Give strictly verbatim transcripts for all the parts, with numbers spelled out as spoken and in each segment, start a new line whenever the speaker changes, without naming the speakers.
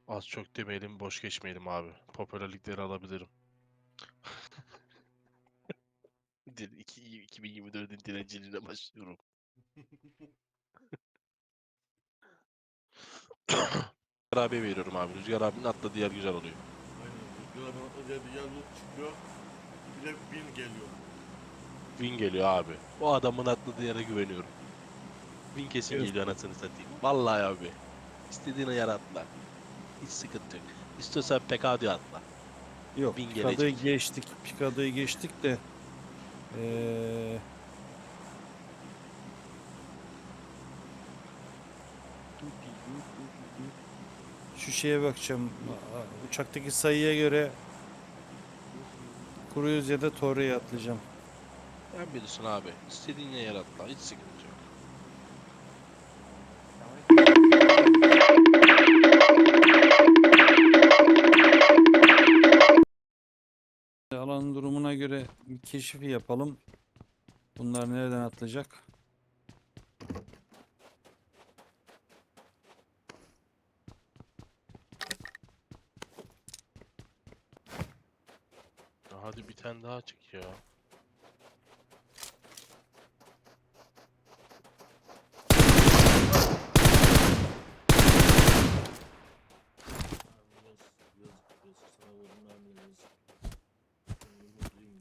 Az çok demeyelim, boş geçmeyelim abi. Popülerlikleri alabilirim. Dil- iki- iki bin yirmi dördün dilenciliğine başlıyorum. Rüzgar abiye veriyorum abi. Rüzgar abinin atladığı yer güzel oluyor.
Aynen. Rüzgar abi atladığı yer loot çıkıyor. Bir de bin geliyor.
Win geliyor abi. O adamın atladığı yere güveniyorum. Win kesin
Evet.
geliyor anasını satayım. Vallahi abi. İstediğin yere atla. Hiç sıkıntı yok. İstiyorsan P K diye atla.
Yok,
Win
Picada'yı
gelecek.
geçtik. Picada'yı geçtik de ee, şu şeye bakacağım. Aa, Uçaktaki sayıya göre Cruise ya da Torre'ye atlayacağım.
Ben bilirsin abi. İstediğin yere atla. Hiç sıkıntı yok.
Alanın durumuna göre bir keşif yapalım. Bunlar nereden atlayacak?
Ya hadi bir tane daha çık ya.
Abi yazık, yazık, yazık. Sana vurdum mermileri yazık. Ben de mutluyum.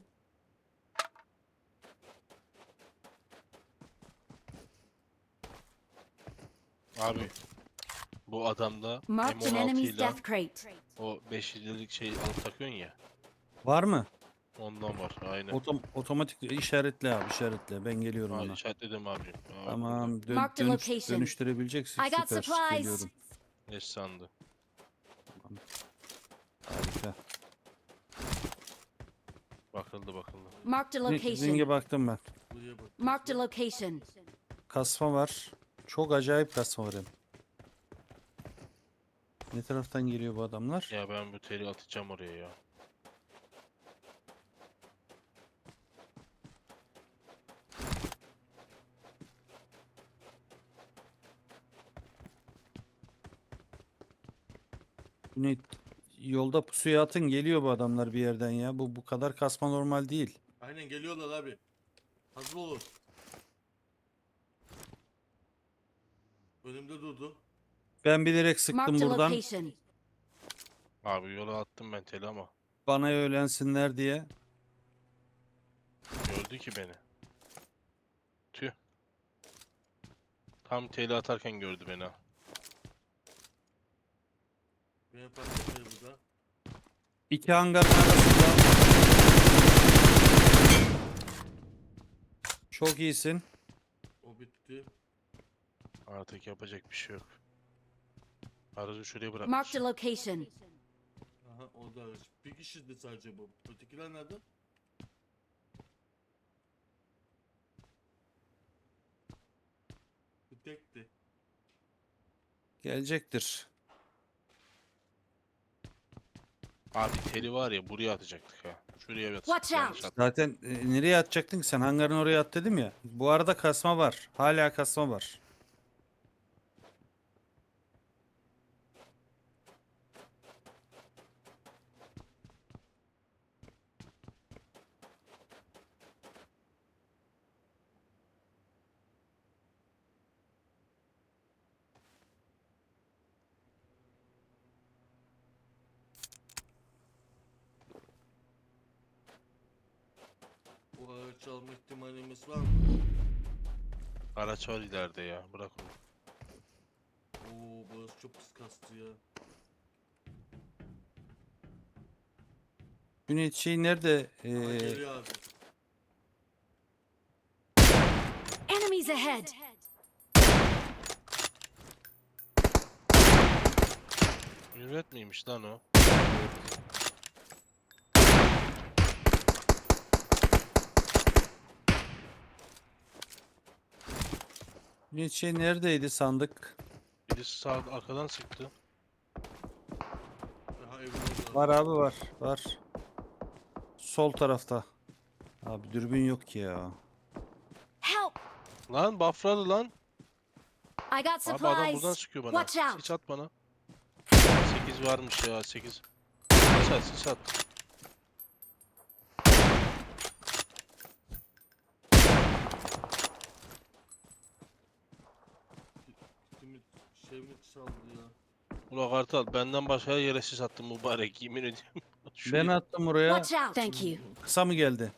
Abi bu adamda
Marked an
M on altı
enemy's
ile
death crate.
o beşincilik şey alıp takıyorsun ya.
Var mı?
Ondan var aynen.
Otom otomatik işaretle abi, işaretle. Ben geliyorum
Ha,
ona.
işaretledim abicim. Ha, bak burada.
Tamam, dön
Marked a
dönüş
location.
dönüştürebileceksin.
I got
Süper.
supplies.
Geliyorum.
Ne sandı?
Harika.
Bakıldı bakıldı.
Marked a
Ne-
location.
Zinge baktım ben.
Buraya bak.
Marked a location.
Kasma var. Çok acayip kasma var hem. Ne taraftan geliyor bu adamlar?
Ya ben bu teli atacağım oraya ya.
Ne, yolda pusuya atın, geliyor bu adamlar bir yerden ya. Bu bu kadar kasma normal değil.
Aynen geliyorlar abi. Hazır olun. Önümde durdu.
Ben bilerek sıktım
Marked a
buradan.
location.
Abi yola attım ben teli ama.
Bana öğlensinler diye.
Gördü ki beni. Tüh. Tam teli atarken gördü beni ha.
Benim parçaları burada.
İki hangarın arasında. Çok iyisin.
O bitti.
Artık yapacak bir şey yok. Aracı şuraya bırakmış.
Marked a location.
Aha o da araç. Bir kişiydi sadece bu. Ötekiler nerede? Bir tekti.
Gelecektir.
Abi teli var ya buraya atacaktık ha. Şuraya bir
Watch
atacaktık. Yanlış
out.
attım.
Zaten e, nereye atacaktın ki sen? Hangarın oraya at dedim ya. Bu arada kasma var. Hala kasma var.
O araç alma ihtimalimiz var mı?
Araç var ileride ya. Bırak onu.
Oo burası çok pis kastı ya.
Cüneyt şey nerede?
Aha
Ee,
geliyor abi.
Enemies ahead.
Mürvet miymiş lan o?
Cüneyt şey neredeydi sandık?
Birisi sağ arkadan sıktı.
Daha evin orada.
Var abi var. Var. Sol tarafta. Abi dürbün yok ki ya.
Help.
Lan buffladı lan.
I got
Abi adam buradan
supplies.
sıkıyor bana.
Watch out.
Hiç at bana. sekiz varmış ya sekiz. Sis at sis at.
Kimi şey mi çaldı ya?
Ula Kartal benden başka her yere sis attım mübarek yemin ediyorum.
Ben
Şuraya,
attım oraya.
Watch out! Thank you.
Kısa mı geldi?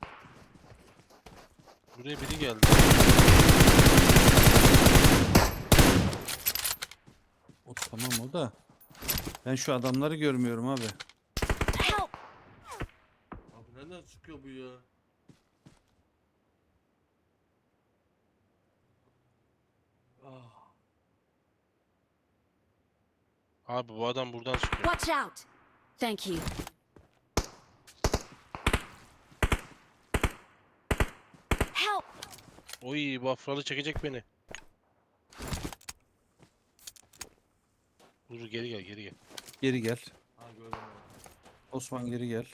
buraya biri geldi.
O tamam o da. Ben şu adamları görmüyorum abi.
Help!
Abi nereden çıkıyor bu ya? Ah.
Abi bu adam buradan çıkıyor.
Watch out! Thank you. Help!
Oy bu afralı çekecek beni. Dur geri gel geri gel.
Geri gel.
Ha gördüm abi.
Osman geri gel.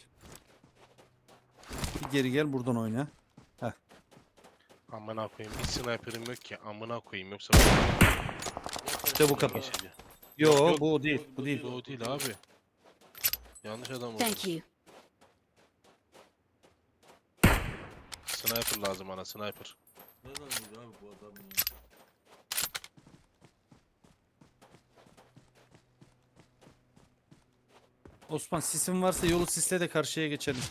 Bir geri gel buradan oyna.
Amına koyayım bir sniper'ım yok ki amına koyayım yoksa
İşte bu kadar.
geçeceğim.
Yo
yok.
bu o değil. Bu değil.
Bu o değil abi. Yanlış adam oldu.
Thank you.
Sniper lazım bana sniper.
Nereden gidiyor abi bu adam ya?
Osman sisin varsa yolu sisle de karşıya geçelim.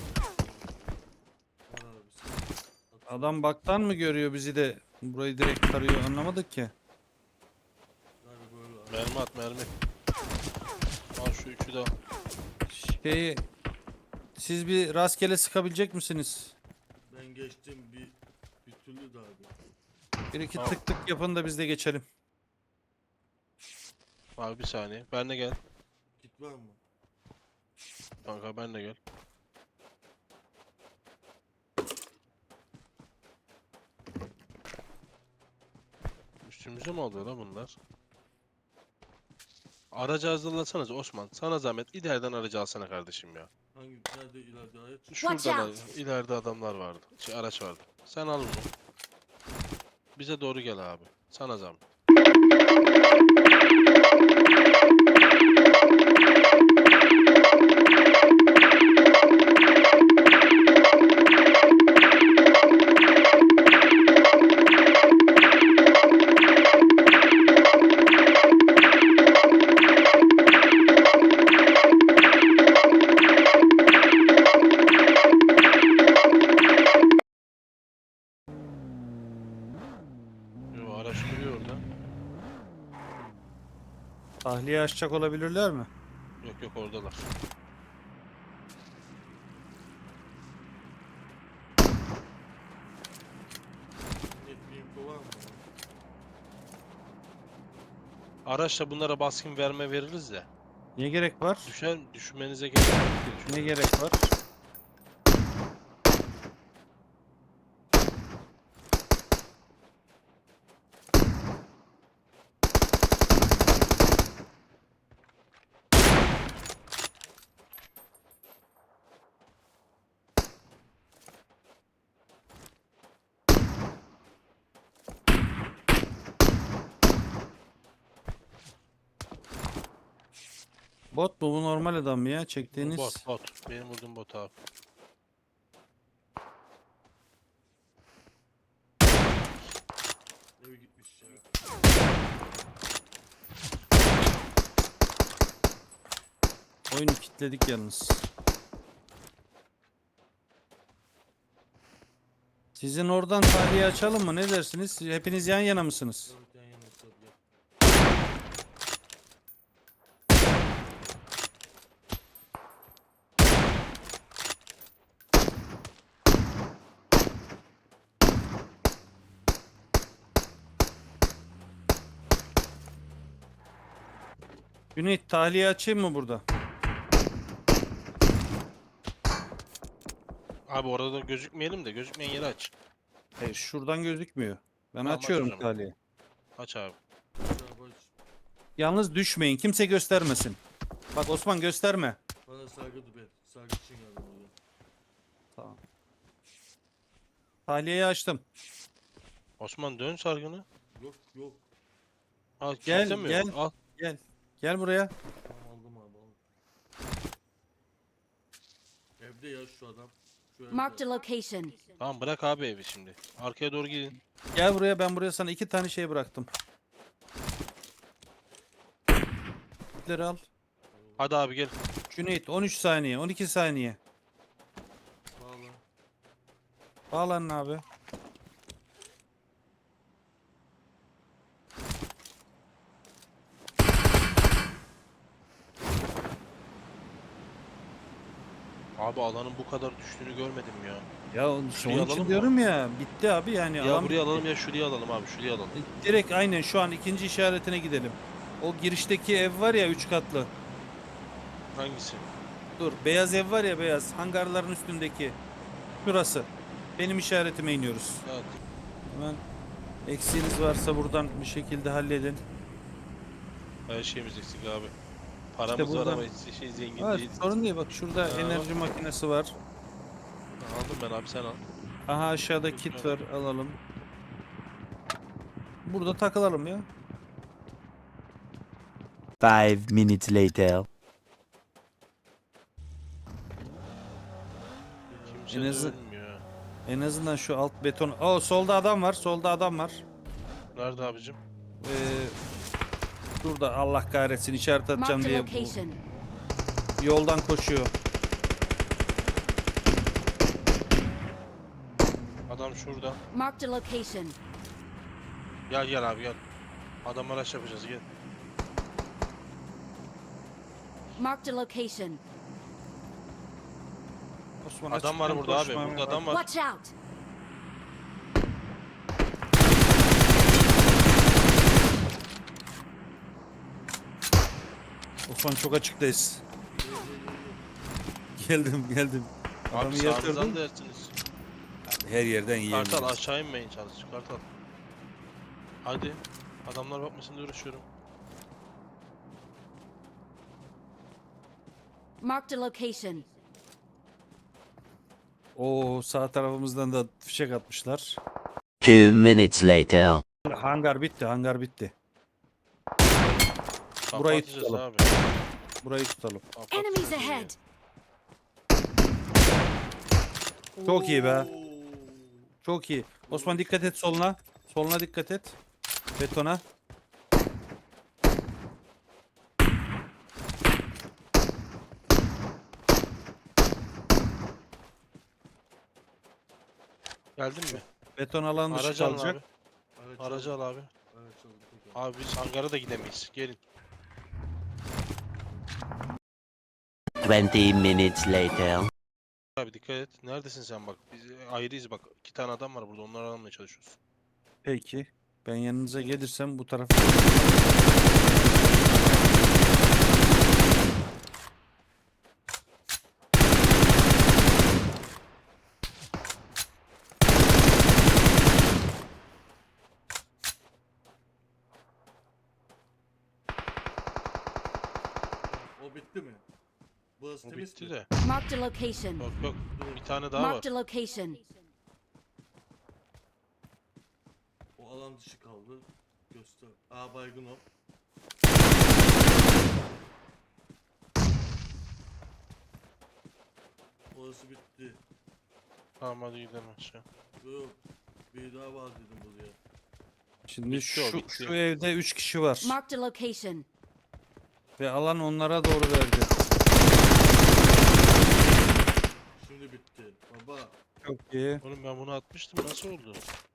Var abi siz.
Adam baktan mı görüyor bizi de burayı direkt tarıyor anlamadık ki.
Abi böyle abi.
Mermi at mermi. Al şu üçü de al.
Şeyi siz bir rastgele sıkabilecek misiniz?
Ben geçtim bir bir türlü de abi.
Bir iki
Tamam.
tık tık yapın da biz de geçelim.
Abi bir saniye. Ben de gel.
Git var mı?
Kanka ben de gel. Üstümüze mi alıyor lan bunlar? Aracı hazırlasanız Osman. Sana zahmet ileriden aracı alsana kardeşim ya.
Hangi nerede ileride ayet?
Watch
Şurada
out.
ileride adamlar vardı. Şey, araç vardı. Sen al bunu. Bize doğru gel abi. Sana zahmet. Yo, araç duruyor orada.
Tahliye açacak olabilirler mi?
Yok yok oradalar.
Net bir info var mı?
Araçla bunlara baskın verme veririz de.
Ne gerek var?
Düşer, düşünmenize gerek yok diye
Ne
düşünüyorum.
gerek var? Bot mu bu normal adam mı ya çektiğiniz?
Bot bot. Benim vurduğum bot abi.
Eve gitmiş ya.
Oyunu kilitledik yalnız. Sizin oradan tahliye açalım mı? Ne dersiniz? Hepiniz yan yana mısınız?
Evet yan yana tabii ya.
Cüneyt tahliye açayım mı burada?
Abi orada da gözükmeyelim de gözükmeyen yeri aç.
Hayır şuradan gözükmüyor. Ben
Tamam, aç o
açıyorum
zaman.
tahliye.
Aç abi.
Güzel baş.
Yalnız düşmeyin. Kimse göstermesin. Bak Osman gösterme.
Bana sargı ben. Sargı için geldim buraya.
Tamam. Tahliyeyi açtım.
Osman dön sargını.
Yok yok.
Al
Gel,
kilitlemiyor mu?
gel.
Al.
Gel. Gel buraya.
Tamam Evde ya şu adam. Şu evde.
Marked a location.
Tamam bırak abi evi şimdi. Arkaya doğru gidin.
Gel buraya, ben buraya sana iki tane şey bıraktım. Kitleri al.
Hadi abi gel.
Cüneyt on üç saniye, on iki saniye.
Vallahi.
Bağlanın abi.
Abi alanın bu kadar düştüğünü görmedim ya.
Ya onun
Şurayı
onun
alalım
için
mı?
diyorum ya, bitti abi yani.
Ya
alan
buraya
bitti.
alalım ya şuraya alalım abi şuraya alalım.
Direkt aynen şu an ikinci işaretine gidelim. O girişteki ev var ya, üç katlı.
Hangisi?
Dur, beyaz ev var ya, beyaz hangarların üstündeki. Şurası. Benim işaretime iniyoruz.
Evet.
Hemen eksiğiniz varsa buradan bir şekilde halledin.
Her şeyimiz eksik abi. Paramız var
buradan-
ama hiç şey zengin
Evet,
değiliz.
sorun değil, bak şurada
Ha,
enerji makinesi var.
Aldım ben abi sen al.
Aha aşağıda kit var, alalım. Burada takılalım ya.
Five minutes later.
Kimse
En
de
azı-
ölmüyor.
En azından şu alt beton. Oo, solda adam var, solda adam var.
Nerede abicim?
Ee, Şurada, Allah kahretsin, işaret atacağım
Marked a
diye bu
location.
yoldan koşuyor.
Adam şurada.
Marked a location.
Gel gel abi gel. Adam araç yapacağız gel.
Marked a location.
Osman,
Adam var
açıktan
burada abi.
koşmaya
Burada
bak.
adam var.
Watch out.
Osman çok açıktayız. Geldim geldim. Adamı
Abi sağınızdan
yatırdım.
dersiniz.
Her yerden yiyebiliriz.
Kartal aşağı inmeyin çalış. Kartal. Hadi. Adamlar bakmasın diye uğraşıyorum.
Marked a location.
Oo, sağ tarafımızdan da fişek atmışlar.
Two minutes later.
Hangar bitti, hangar bitti. Burayı
Kapatacağız
tutalım.
abi.
Burayı tutalım.
Kapatacağız
Enemies
burayı.
ahead.
Çok iyi be.
Oo.
Çok iyi. Osman dikkat et soluna. Soluna dikkat et. Betona.
Geldin mi?
Beton alan dışı
Aracı alın
kalacak.
abi.
Araç
Aracı
aldım.
al abi.
Araç aldım, peki.
Abi biz hangara da gidemeyiz. Gelin.
Twenty minutes later.
Abi dikkat et. Neredesin sen bak. Biz ayrıyız bak. İki tane adam var burada. Onları almaya çalışıyoruz.
Peki. Ben yanınıza gelirsem bu tarafa.
O bitti mi? Burası
Bu
temiz
bitti
mi?
de.
Marked a location.
Yok yok. Bir tane daha var.
Marked a location.
O alan dışı kaldı. Göster. Aa baygın o. Orası bitti.
Tamam hadi gidelim aşağı.
Yok. Bir daha var dedim buraya.
Şimdi
Bitti o,
şu,
bitti.
şu evde üç kişi var.
Marked a location.
Ve alan onlara doğru verdi.
Şimdi bitti. Baba.
Çok iyi.
Oğlum ben bunu atmıştım. Nasıl oldu?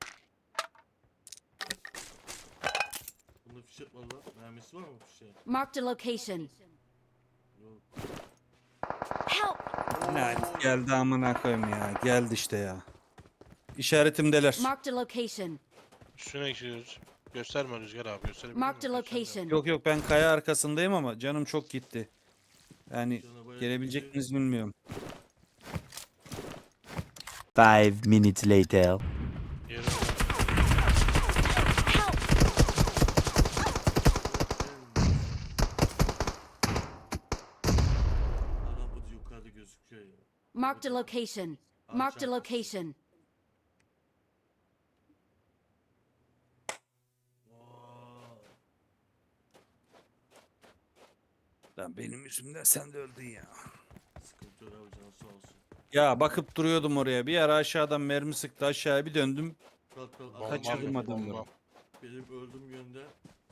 Bunda fişek var lan. Mermisi var mı fişeğin?
Marked a location.
Yok.
Help.
Ne geldi amına koyayım ya. Geldi işte ya. İşaretimdeler.
Marked a location.
Üstüne gidiyoruz. Gösterme Rüzgar abi. Gösterebilir
Marked a
miyim? Gösterme.
location.
Yok yok, ben kaya arkasındayım ama canım çok gitti. Yani
Cana bayağı
gelebilecek
gitti.
misiniz bilmiyorum.
Five minutes later.
Yürü.
Help.
Araba yukarıda gözüküyor ya.
Marked a location. Marked a location.
Vay.
Lan benim yüzümden sen de öldün ya.
Sıkıntı yok abi canı sağ olsun.
Ya bakıp duruyordum oraya. Bir ara aşağıdan mermi sıktı, aşağıya bir döndüm.
Kalk kalk.
Bombam
Kaçırdım
yok,
adamları.
bombam.
Benim öldüğüm yönde.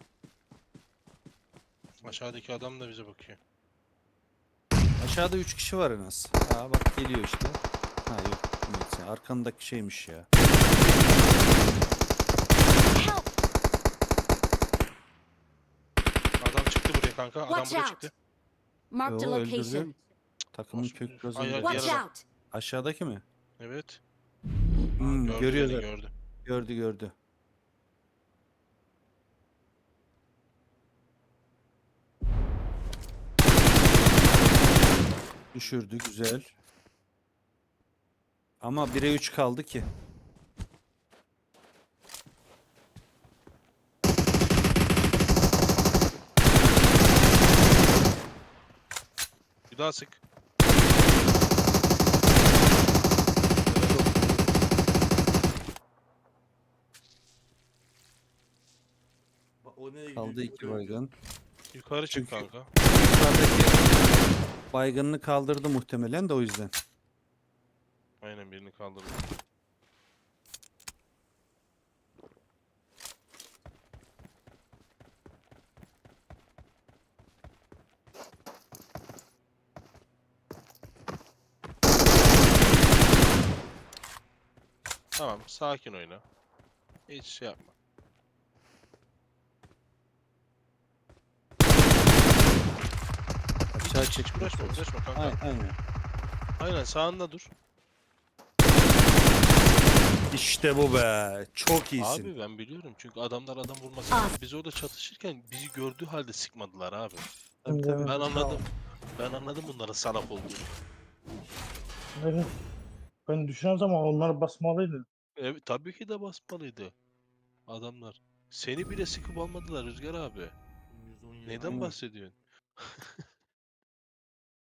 Aşağıdaki adam da bize bakıyor.
Aşağıda üç kişi var en az. Ha bak geliyor işte. Ha yok. Neyse, arkandaki şeymiş ya.
Help!
Adam çıktı buraya kanka. Adam
Watch
buraya
out!
çıktı.
Marked a
Yo, öldürdü.
location.
Takımın
Nasıl
kök
öldürür?
gözünde.
Ay, ay,
Watch
diğer adam.
out!
Aşağıdaki mi?
Evet.
Hmm,
Gördü
görüyor
beni,
zaten.
gördü.
Gördü gördü. Düşürdü güzel. Ama bire üç kaldı ki.
Bir daha sık.
Bak o nereye gidiyor?
Kaldı iki
bilmiyorum.
baygın.
Yukarı çık
Çünkü-
kanka.
Yukarıdaki baygınını kaldırdı muhtemelen de o yüzden.
Aynen birini kaldırdı. Tamam, sakin oyna. Hiç şey yapma.
Aşağı
Hiç, hiç
çekti.
uğraşma, uğraşma kanka.
Aynen, aynen.
Aynen sağında dur.
İşte bu be. Çok iyisin.
Abi ben biliyorum çünkü adamlar adam vurmasın.
Ah.
Biz orada çatışırken bizi gördüğü halde sıkmadılar abi.
Tabii, tabii.
Ben anladım. Ben anladım bunların salak olduğunu.
Evet. Ben düşünen zaman onlar basmalıydı.
Evet, tabii ki de basmalıydı. Adamlar. Seni bile sıkıp almadılar Rüzgar abi.
yüz on yedi.
Neyden
Aynen.
bahsediyorsun?